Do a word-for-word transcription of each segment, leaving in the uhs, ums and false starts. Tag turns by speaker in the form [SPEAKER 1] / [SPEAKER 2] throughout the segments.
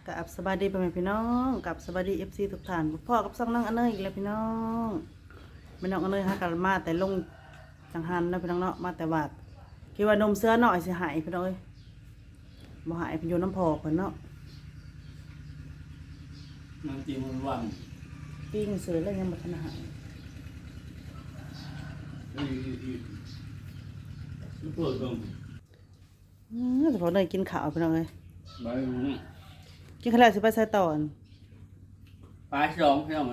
[SPEAKER 1] กับสบายดีพ่อแม่พี่น้องกับสบายดีเอฟซีทุกท่านพ่อกับซ่องนั่งอันเนยอีกแล้วพี่น้องไม่น้องอันเนยฮะกันมาแต่ลงจังหันนะพี่น้องเนาะมาแต่บาดคิดว่านมเสื้อหน่อยสิหายพี่น้องเอ้ยบ่หายเป็นโยนน้ำพอเพิ่นเนาะ
[SPEAKER 2] มันจริงมันวัน
[SPEAKER 1] ปิ้งเสือแล้วยังบ่ทันหาย
[SPEAKER 2] เอ้ยเปิดตรง
[SPEAKER 1] อือแต่พอเนยกินข้าวพี่น้องเอ้ย
[SPEAKER 2] ใบมัน
[SPEAKER 1] กินข้าวแล้วสิไปใส่ตอน
[SPEAKER 2] ปลาสองใช่ไหม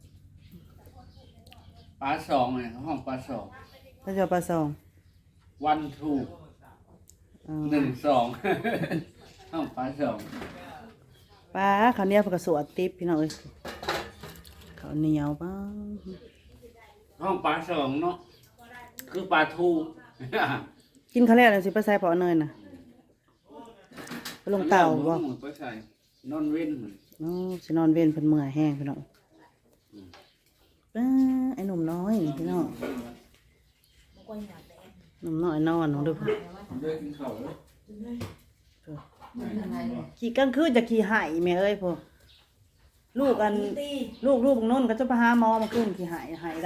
[SPEAKER 2] ปลาสองเนี่ยห้องปลาสอง
[SPEAKER 1] ถ้าจะเอาปลาซอง
[SPEAKER 2] วันทูก
[SPEAKER 1] เออ
[SPEAKER 2] หนึ่งสองห้องปลาสอง
[SPEAKER 1] ปลาข้าวเหนียวเพิ่นก็สวดติ๊บพี่น้องเอ้ยข้าวเหนียวป้า
[SPEAKER 2] ห้องปลาสองเนาะคือปลาทูก
[SPEAKER 1] กินข้าวแล้วแล้วสิไปใส่พอเนยน่ะไปลงเต่าบ่
[SPEAKER 2] ไปใส่นอนเว้น
[SPEAKER 1] อ๋อสินอนเว้นเพิ่นเมื่อยแห้งพี่น้องป้าไอ้หนุ่มน้อยนี่พี่น้องหนุ่มน้อยนอนน้องดู
[SPEAKER 2] เดินกินข้าวแล้ว
[SPEAKER 1] ขี่กลางคืนจะขี่ไห่แม่เอ้ยพวกลูกอันลูกลูกนุ่นก็จะไปหาหมอมาขึ้นขี่ไห่ไห่ได้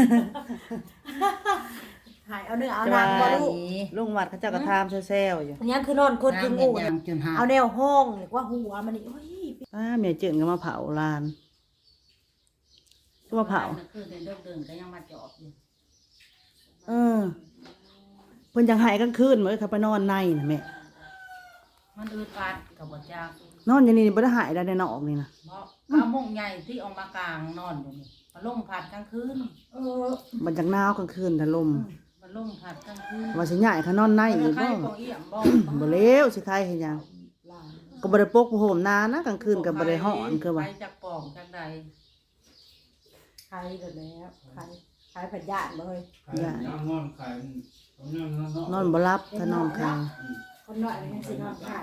[SPEAKER 3] หายเอาเนื้อเอาหนังบ่ลูก
[SPEAKER 1] ลุงวัดเขาเจ้ากระทามเซลๆอยู่
[SPEAKER 3] อันนี้คือนอนคนคืองูน่ะเอาแนวห้องหรือว่าหัวมันนี่โอ้ย
[SPEAKER 1] ป้าเมียเจินก็มาเผาลานก็มาเผา
[SPEAKER 4] คือเดินเดินเดินก็ยังมาจอบอยู่
[SPEAKER 1] เออเพิ่นยังไห้กลางคืนเหมือนเขาไปนอนในน่ะแม่
[SPEAKER 4] มันอืดปัดกับบ่จาก
[SPEAKER 1] นอนอย่างนี้บ่ได้หายได้ในนอกนี่นะ
[SPEAKER 4] เพราะข้าวมงใหญ่ที่ออกมากลางนอนอยู่นี่มาลมผัดกลางคืน
[SPEAKER 3] เออ
[SPEAKER 1] มันจักหนาวกลางคืนแต่ลม
[SPEAKER 4] มาลมผัดกลางคืน
[SPEAKER 1] ว่าสิย้ายเขานอนในอีก
[SPEAKER 4] ใคร
[SPEAKER 1] บ่
[SPEAKER 4] ของเอี่ยมบ่
[SPEAKER 1] บ่เลวสิใครเฮ็ดหยัง
[SPEAKER 3] หลาน
[SPEAKER 1] ก็บ่ได้ปกผ้าห่มนานนะกลางคืนก็บ่ได้ฮ้อนคือว่า
[SPEAKER 4] ใครจากป่องจากใด
[SPEAKER 3] ใครเดี๋ยวแล้วใครใครผัดยาดเลย
[SPEAKER 2] ขายย่างนอนขายตรงนั้นเนาะ
[SPEAKER 1] นอนบ่หลับถ้านอนค้าง
[SPEAKER 3] คนน้อยมันยังสินอนไข่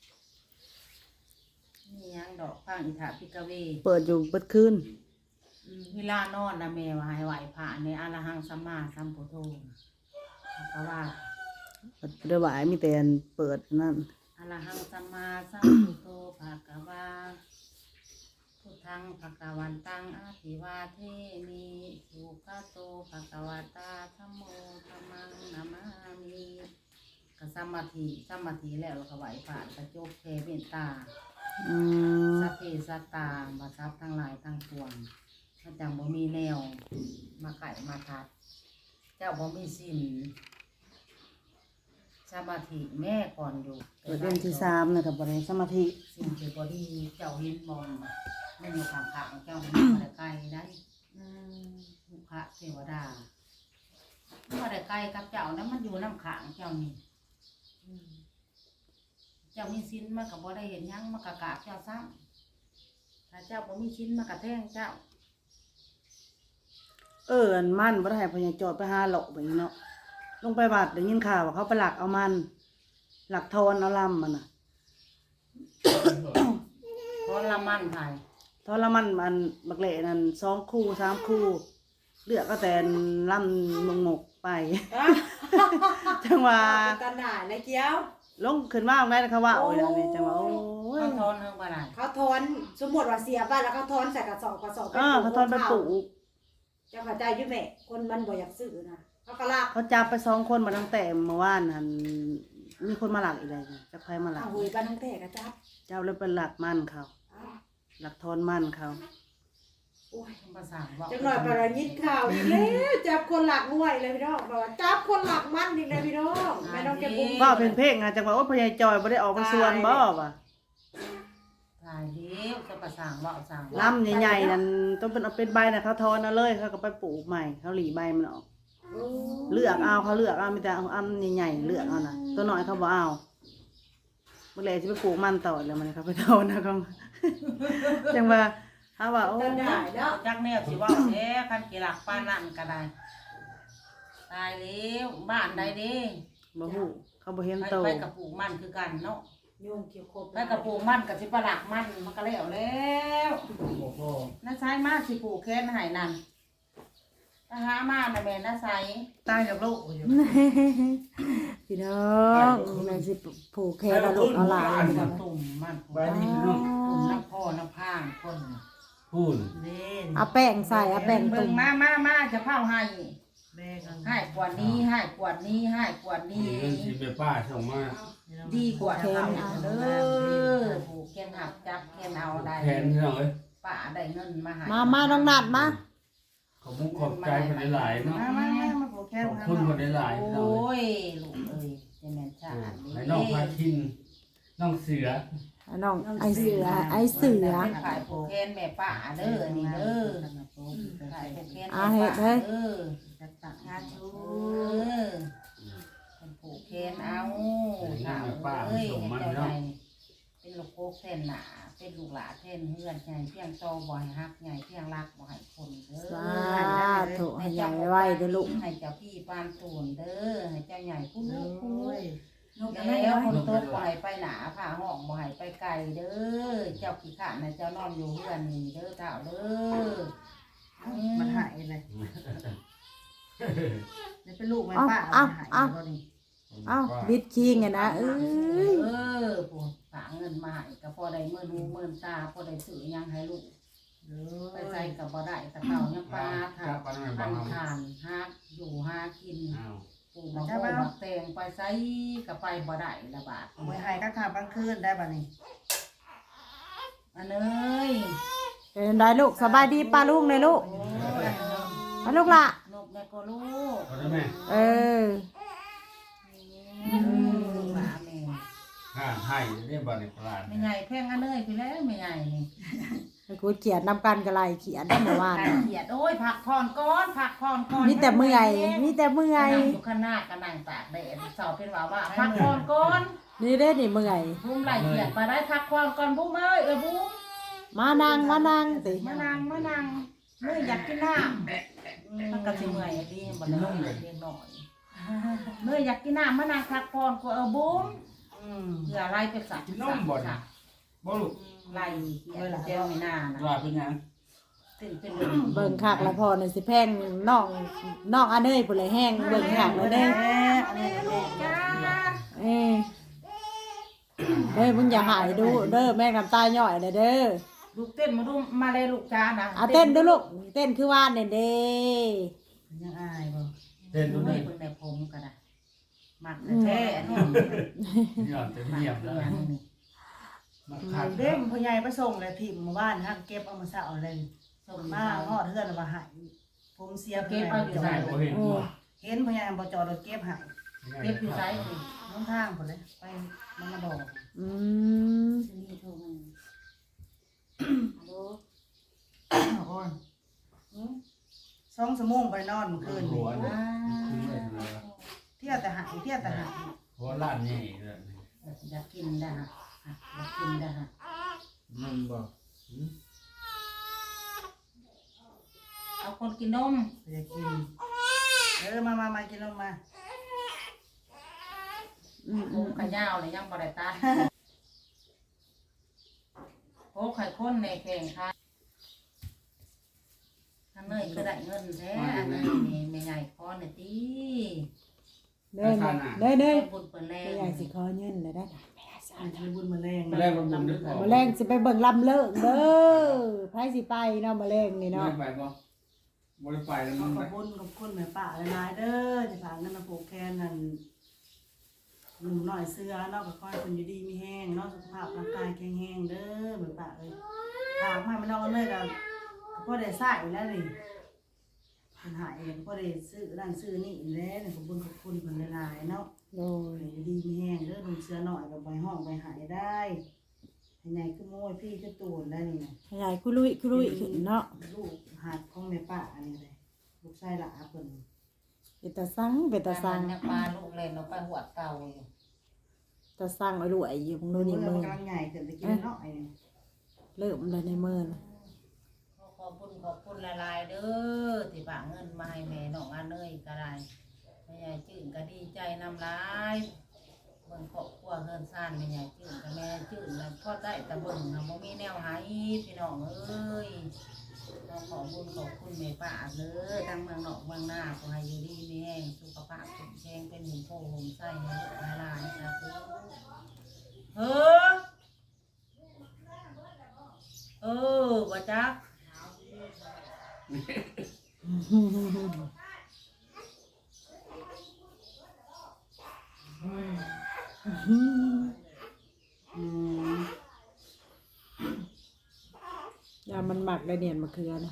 [SPEAKER 4] นี่ยังดอกฟังอิฐาพิกเว
[SPEAKER 1] เปิดอยู่เบิดคืน
[SPEAKER 4] เวลานอนนะแม่ว่าให้ไหวพระในอรหังสัมมาสัมพุทโธก็ว่า
[SPEAKER 1] บ่ได้ไหวมีแต่อันเปิดนั่น
[SPEAKER 4] อรหังสัมมาสัมพุทโธภะคะวาพุทธังภะคะวันตังอะภิวาเทมิสุขโตภะคะวะตาธัมโมธัมมังนามามิก็สมาธิสมาธิแล้วเราก็ไหวผ่านกระจกแผ่เมตตา
[SPEAKER 1] อืม
[SPEAKER 4] สัพเพสัตตาบัทรัพย์ทั้งหลายทั้งปวงถ้าจังบ่มีแนวมาไก่มาทัด เจ้าบ่มีสินสมาธิแม่ก่อนอยู่
[SPEAKER 1] เปิดเดือนที่สามนะกับบ่ได้สมาธิ
[SPEAKER 4] สิ่งที่บ่ดีเจ้าเห็นบ่มันอยู่ข้างๆเจ้ามันบ่ได้ใกล้ได้ลูกค้าเทวดาบ่ได้ใกล้กับเจ้านั้นมันอยู่น้ำข้างเจ้านี่เจ้ามีสินมันก็บ่ได้เห็นหยังมันก็กราบเจ้าซ้ำถ้าเจ้าบ่มีสินมันก็แทงเจ้า
[SPEAKER 1] เอออันมันบ่ได้ให้พญาจอดไปหาเลาะแบบนี้เนาะลงไปบาดได้ยินข่าวว่าเขาไปหลักเอามันหลักทอนเอาลำมันน่ะ
[SPEAKER 4] เพราะละมันไทย
[SPEAKER 1] ทอนละมันมันบักเละนั่นสองคู่สามคู่เลือกก็แต่ลำงงกๆไป จังว่า
[SPEAKER 3] กันหนาเลยเกี้ยว
[SPEAKER 1] ลงขึ้นมาได้นะคะว่าโอ้ยนี่จังว่าโอ้ย
[SPEAKER 4] เขาทอนเรื่องอะไร
[SPEAKER 3] เขาทอนสมมติว่าเสียบ้านแล้วเขาทอนใส่กระสอบกระสอบ
[SPEAKER 1] เออเขาทอนไปปลูก
[SPEAKER 3] เจ้าเข้าใจอยู่แม่คนมันบ่อยากซื้อนะเขาก็ลาก
[SPEAKER 1] เขาจับไปสองคนมาตั้งแต่เมื่อวานหันมีคนมาหลักอีกเลยจะใครมาหลัก
[SPEAKER 3] เอาหุยบ้านทั้งแต่กระจับ
[SPEAKER 1] เจ้าเลยเป็นหลักมันเขา
[SPEAKER 3] อ้าว
[SPEAKER 1] หลักทอนมันเขา
[SPEAKER 3] โอ้ย
[SPEAKER 4] ภาษาบอก
[SPEAKER 3] จังหน่อยปรายิดข่าวอีกแล้วจับคนหลักมวยเลยพี่น้องบอกว่าจับคนหลักมันอีกเลยพี่น้องแม่น้องแกปุ้ม
[SPEAKER 1] ว่าเป็นเพลงอะจังว่าว่าพญายจอยบ่ได้ออกมาส่วนบ่ว่ะ
[SPEAKER 4] ตายเลี้ยวจะภาษาบอกสั่ง
[SPEAKER 1] ลำใหญ่ๆนั่นต้องเป็นเอาเป็นใบนะเขาทอนเอาเลยเขาก็ไปปลูกใหม่เขาหลีใบมันออก
[SPEAKER 3] โอ้
[SPEAKER 1] เลือกเอาเขาเลือกเอามีแต่เอาอันใหญ่ๆเลือกเอานะตัวน้อยเขาบ่เอาเมื่อไรจะไปปลูกมันต่อแล้วมันเขาไปทอนนะเขา จังว่าเขาว่าโอ้
[SPEAKER 3] จะได้เนาะ
[SPEAKER 4] จักแนวสิว่าแท้คันกีหลักป้านนั่นก็ได้ตายเลี้ยวบ้านใดเด้
[SPEAKER 1] บ่ฮู้เขาบ่เห็น
[SPEAKER 4] ไป
[SPEAKER 1] โต
[SPEAKER 4] ไปกับปลูกมันคือกันเนาะ
[SPEAKER 3] โยงเกี่ยวครบ
[SPEAKER 4] ไปกับปลูกมันกับสิปลักมันมันก็แล้วแล้ว
[SPEAKER 2] โอ้โห
[SPEAKER 4] น้าใช้มาสิปลูกแค่ไหนนั่นถ้าหามาน่ะแม่น้าใช้
[SPEAKER 1] ตายกับลูกอยู่ สิพี่น้องแม่สิผูกแขนเอาลูกเอาหลาน
[SPEAKER 4] มันตุ่มมัน
[SPEAKER 2] ไปนี่พี่น้อง
[SPEAKER 4] ตุ่มน้ำพ่อน้ำพางคน
[SPEAKER 2] พูน
[SPEAKER 3] เล่น
[SPEAKER 1] เอาแป้งใส่เอาแป้ง
[SPEAKER 4] เบิ่
[SPEAKER 1] ตุ่
[SPEAKER 4] ง
[SPEAKER 1] ม
[SPEAKER 4] มามามาจะเผาให้
[SPEAKER 3] แม่กัน
[SPEAKER 4] ให้กว่านี้ให้กว่านี้ให้กว่านี้
[SPEAKER 2] นี่เงินที่แม่ป้าส่งมา
[SPEAKER 4] ดีกว่าเท่าเด้อผูกแขนหักจับแขนเอาได้
[SPEAKER 2] แทนพี่น้องเอ้ย
[SPEAKER 4] ป้าได้เงินมาให้
[SPEAKER 1] มามาน้องนัดมา
[SPEAKER 2] ขอบคุณขอบใจคนหลายๆเนาะ
[SPEAKER 3] มามามามาผูกแขน
[SPEAKER 2] ขอบคุณคนหลายๆ
[SPEAKER 4] โอ
[SPEAKER 2] พี่น้องเอ้
[SPEAKER 4] ้
[SPEAKER 2] ย
[SPEAKER 4] ยลูกเอ้ยเจะแม่นชาติ
[SPEAKER 2] ให้น้องพาคินน้องเสือ
[SPEAKER 1] น้องไอเสือไอเสือ
[SPEAKER 4] เป็นขายผูกแขนแม่ป้าเด้อนี่เด้อขายผูกแขน
[SPEAKER 1] อ่า
[SPEAKER 4] แม่
[SPEAKER 1] เฮ็ด
[SPEAKER 4] ป้า
[SPEAKER 1] เด้อ
[SPEAKER 4] เด้อ
[SPEAKER 3] ตักงานชู
[SPEAKER 4] เออเป็นผูกแขนเอาถามเอ้ยเห็นเจ้าใหญ่เป็นลูกโคกแทนหนาเป็นลูกหลาแทนเฮือนใหญ่เพียงโตบ่อยฮักใหญ่เพียงรักบ่ให้คนเด้อ
[SPEAKER 1] สาธุให้ใหญ่ไว้เด้อลูก
[SPEAKER 4] ให้เจ้าพี่ปานตูนเด้อให้เจ้าใหญ่ผู้ลูกผู้ลูก
[SPEAKER 3] นก
[SPEAKER 4] แล้วคนโตบ่ให้ไปหนาผ่าห้องบ่ให้ไปไกลเด้อเจ้าขี้ข้านะเจ้านอนอยู่เฮือนนี่เด้อเจ้าเด้อ
[SPEAKER 3] มันหายเลยนี่เป็นลูกแม่ป้า
[SPEAKER 1] เอ้า
[SPEAKER 3] หาย
[SPEAKER 1] เอ้า
[SPEAKER 3] แล้วนี่
[SPEAKER 1] เอ้าบิดคิงไงนะเอ้ย
[SPEAKER 4] เออพวกฝากเงินมาให้ก็พอได้เมื่อนูเมื่อตาพอได้ซื้อหยังให้ลูก
[SPEAKER 3] เด้
[SPEAKER 4] ไป
[SPEAKER 3] อ
[SPEAKER 4] ใส่กับบ่ได้ตะเก่ายังปลาถา
[SPEAKER 2] จับปลาหน่อย
[SPEAKER 4] พั
[SPEAKER 2] บ้าง
[SPEAKER 4] นทานหาอยู่หากิน
[SPEAKER 2] อ้าว
[SPEAKER 4] ปลูกมะม่วงมะแตงไปใส่กับไปบ่ได้ละบาท
[SPEAKER 3] เอาไว้ให้กลางค่ำกลางคืนได้ป่ะนี่
[SPEAKER 4] อันเอ้ย
[SPEAKER 1] เป็นได้ลูกสบายดีป้าลุงเลยลูกป้าลูกล่ะ
[SPEAKER 4] นกแม่ก็ลูก
[SPEAKER 2] เอาได้ไหม
[SPEAKER 1] เออ
[SPEAKER 4] หมาแม่
[SPEAKER 2] ห่านให้เรียบร้อยในตลาด
[SPEAKER 4] ไม่ใหญ่แพงอันเอ้ยพี่แล้วไม่ใหญ่นี่
[SPEAKER 1] กูเขียนนำกันกระไรเขียนได้เมื่อวาน
[SPEAKER 4] ไก่เขียดโอ้ยผักพรก้อนผักพรก้อน
[SPEAKER 1] มีแต่เมื่อยมีแต่เมื่อย
[SPEAKER 4] นั่งอยู่ข้างหน้าก็นั่งตากแดดสอบเป็นว่าว่าผักพรก้อน
[SPEAKER 1] นี่เด้นี่เมื่อย
[SPEAKER 4] บุ้มไหลเขียดมาได้ผักพรก้อนบุ้มเอ้ยเออบุ้ม
[SPEAKER 1] มานางมานางติ
[SPEAKER 4] มานางมานางเมื่อยอยากกินน้ำมันก็สิเมื่อยอะดีบ่ได้เรียนหน่อยเมื่อยอยากกินน้ำมานางพักผ่อนก็เออบุ้ม
[SPEAKER 3] อืม
[SPEAKER 4] เพื่อไล่ไปสัก
[SPEAKER 2] กินนมบ่เนี่ยบ่ลูก
[SPEAKER 4] ไล่เขียดเจ้าไม่น่านะ
[SPEAKER 2] ว่าเป็นหยัง
[SPEAKER 4] ตื่นเป็น
[SPEAKER 1] เบิ่งคักแล้วพอนี่สิแพงน้องน้องอันเอ้ยพุ่นเลยแห้งเบิ่งคักแล้วเด้อ
[SPEAKER 3] แม่อันนี้แม่
[SPEAKER 4] จ้า
[SPEAKER 1] เอ้ยเด้อมึงอย่าหายดูเด้อแม่น้ำตาย่อยเลยเด้อ
[SPEAKER 4] ลูกเต้นมาดูมาเลยลูกจ้านะ
[SPEAKER 1] เอาเต้นเด้อลูกเต้นคือว่านเนี่ยเด้
[SPEAKER 3] ยังอายบ่
[SPEAKER 2] เต้น
[SPEAKER 4] ดู
[SPEAKER 2] ดู
[SPEAKER 4] เล
[SPEAKER 2] นี่
[SPEAKER 4] ยเพิ่งได้ผมก็ได้มักแท้อันนี้
[SPEAKER 2] หย่อนเต็มเหยียบแล้วมาขัด
[SPEAKER 3] เด้งพ่อใหญ่ไปส่งเลยถิ่มมาบ้านฮะเก็บเอามาเสาเลย
[SPEAKER 4] ส่ง
[SPEAKER 3] มา
[SPEAKER 4] มา
[SPEAKER 3] ฮอดเฮือนมาหายผมเสีย
[SPEAKER 4] เก็บเอาอยู่
[SPEAKER 2] ใช่บ่เห็นบ่
[SPEAKER 3] เห็นพ่อใหญ่บ่จอดรถเก็บหาย
[SPEAKER 4] เก็บอยู่ไซส์
[SPEAKER 3] น้องทางพุ่นเลยไปมันมาบอก
[SPEAKER 1] อืม
[SPEAKER 4] นี่โทรมาฮัลโหล
[SPEAKER 3] โอ้ยสองชั่วโมงไปนอนเมื่อคืน
[SPEAKER 2] หั
[SPEAKER 3] นี่
[SPEAKER 2] วเนี่ยขึ้นเลยนะ
[SPEAKER 3] เที่ยวแต่หายเที่ยวแต่หาย
[SPEAKER 2] หัวล้านใหญ่เลย
[SPEAKER 4] อยากกินได้ฮะอยากกินได้ฮะ
[SPEAKER 2] มันบ่
[SPEAKER 4] เอาคนกินนม
[SPEAKER 3] อยากกินเออมามามากินนมมา
[SPEAKER 1] อืม
[SPEAKER 4] โอ้ขยาวเลยยังบ่ได้ตาโอ้ไข่ข้นในแข่งค่ะอันเนยคือได้เงินแท้อันเนยนี่ไม่ใหญ่คอเนี่ยตี
[SPEAKER 1] เด้อเด้อเด้อ
[SPEAKER 4] บุญเปิดแร
[SPEAKER 1] ไม่
[SPEAKER 4] ง
[SPEAKER 1] อยากสิขอเงินเลยได้
[SPEAKER 3] อันนี้บุญมาแรง
[SPEAKER 2] มาแรกมันบุญด้วยพอ
[SPEAKER 1] มาแรงสิไปเบิ่งลำเลิกเด้อไผสิไปเนาะมาแรงนี่เนาะ
[SPEAKER 2] ไม่ไปบ่บ่ได้ไปแล้ว
[SPEAKER 3] ข
[SPEAKER 2] มัน
[SPEAKER 3] อ
[SPEAKER 2] ไป
[SPEAKER 3] บคุณขอบคุณแม่ป้าหลายๆเด้อที่ฝากเงินมาปลูกแคนนั่นหนุ่มหน่อยเสื้อเนาะก็ค่อยคนอยู่ดีมีแห้งเนาะสุขภาพร่างกายแข็งแรงเด้อแม่ป้าเอ้ยฝากมาไม่น้องเลยก็พ่อได้ใส่แล้วนี่ปัญหาเองพ่อได้ซื้อนั่นซื้อนี่แล้วขอบคุณขอบคุณเพิ่นหลายๆเนาะ
[SPEAKER 1] โดย
[SPEAKER 3] อยู่ดีมีแห้งเด้อหนุ่มเสื้อหน่อยก็ไปห้องไปหายได้ให้ใหญ่คือโม้ยพี่คือตูนได้นี่นะ
[SPEAKER 1] ใหญ่คุลุยคุลุยขึ้นเนาะ
[SPEAKER 3] ลูกหัดของแม่ป้าอันนี้เลยลูกชายหลาเพิ่น
[SPEAKER 1] เป็นตาสังเป็นตาสัง
[SPEAKER 4] เนี่ยปลาลูกเล่นเอาไปหัวเก่าอยู่
[SPEAKER 1] ตาสังเอารวยอยู่ของโน่นนี่
[SPEAKER 3] มื
[SPEAKER 1] มื
[SPEAKER 3] อ
[SPEAKER 1] อ
[SPEAKER 3] กำลังใหญ่เกินตะกี้เนาะไอ้นี่
[SPEAKER 1] เริ่มเลยในมือนะ
[SPEAKER 4] ขอบคุณขอบคุณละลายเด้อที่ฝากเงินมาให้แม่น้องอันเนยก็ได้แม่ใหญ่จื่นก็ดีใจนำร้ายบบิ่งครอบครัวเฮือนซ่านแม่ใหญ่จื้อกับแม่จื้อแล้วพอได้แต่เบิ่งน่ะบ่มีแนวหายพี่น้องเอ้ยเราขอบุญขอบคุณแม่ป้าเด้อทั้งเมืองนอกเมืองหน้าขอให้อยู่ดีมีแรงสุขภาพแข็งแรงเป็นหุ่นโพหุ่นไส้ให้ลูกให้หลานสาธุเออเออบ่จัก
[SPEAKER 1] อืม
[SPEAKER 5] ยามันหมักได้เนี่ยมะเขือนะ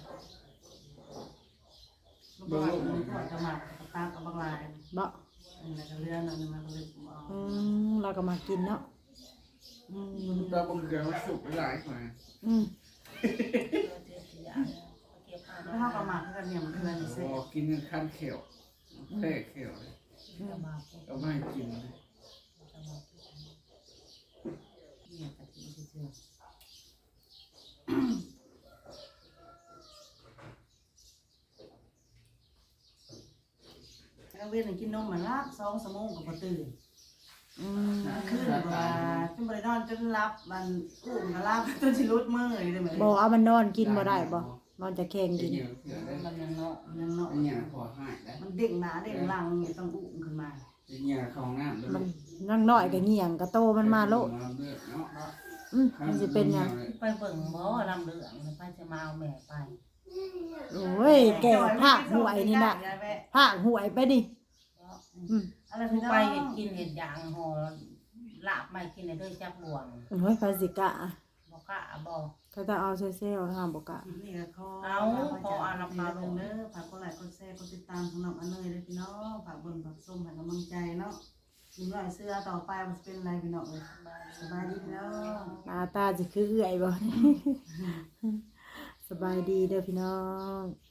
[SPEAKER 3] ลูกบอลมันก็จะหมักกับตากับบางลาย
[SPEAKER 5] เนาะ
[SPEAKER 3] อันนั้นก็เลื่อนอันนั้นมันก็เลยเอา
[SPEAKER 5] อืมเราก็มากินเนาะอืม
[SPEAKER 2] เราบังเกิดว่าสุกหลายกว่า
[SPEAKER 5] อืม
[SPEAKER 3] แล้วเขาก็หมักกันเนี่ยมันคืออะไรเสร็จ
[SPEAKER 2] โอ้กินกันข้ามเขียวแพ้เขียวเลยก็ไม่กินเลย
[SPEAKER 3] แล้วเวียนกินนมเหมือนลาบสองสมงกับประตื่น
[SPEAKER 5] อืม
[SPEAKER 3] ขึ้นแบบว่าจนบริโนอนจนรับมันอุ้มกับรับจนชิลุดมือเลยได้ไหม
[SPEAKER 5] บ่เอามันนอนกินบ่ได้บ่นอนจะแข็ง
[SPEAKER 2] กิ
[SPEAKER 5] กิ
[SPEAKER 2] น
[SPEAKER 5] น
[SPEAKER 2] เยอะเขียวได้
[SPEAKER 3] มันยังเนาะมันยังเนาะ
[SPEAKER 2] เป็นอย่างพอหายได้
[SPEAKER 3] มันเด้งหนาเด้งหลังเนี่ยต้องอุ้มขึ้นมา
[SPEAKER 2] เป็นอย่างของน้ำด้วย
[SPEAKER 5] มันนั่งน้อยก็เหี่ยงก็โตมันมาโลด
[SPEAKER 2] เลือดเนาะ
[SPEAKER 5] อืมมันสิเป็นหยัง
[SPEAKER 4] ไปเบิ่งบ่ลำเหลืองไปจะมาเอาแม่ไป
[SPEAKER 5] โอ้ยแก่ภาคหวยนี่น่ะภาคหวยไปดิอืม
[SPEAKER 3] อะไร
[SPEAKER 4] ผู้
[SPEAKER 3] พี่น้อง
[SPEAKER 4] ไปเห็ดกินเห็ดยางห่อลาบไม่กินในเด้อจักบวง
[SPEAKER 5] โอ้ยภาสิกะ
[SPEAKER 4] บ่กะบ่
[SPEAKER 5] เขาจะเอาเซลล์นะคะบ่กะ
[SPEAKER 3] นี่ก็ขอขออาราพาลงเด้อฝากกดไลค์กดแชร์กดติดตามสำหรับอันเนยเลยพี่น้องฝากเบิ่งฝากส้มฝากกำลังใจเนาะยิงหน่อยเสื้อต่อไปมันจะเป็นอะไรพี่น้องเลยสบายดีพี่น้อง
[SPEAKER 5] หน้าตาสิคือเอื้อยบ่ สบายดีเด้อพี่น้อง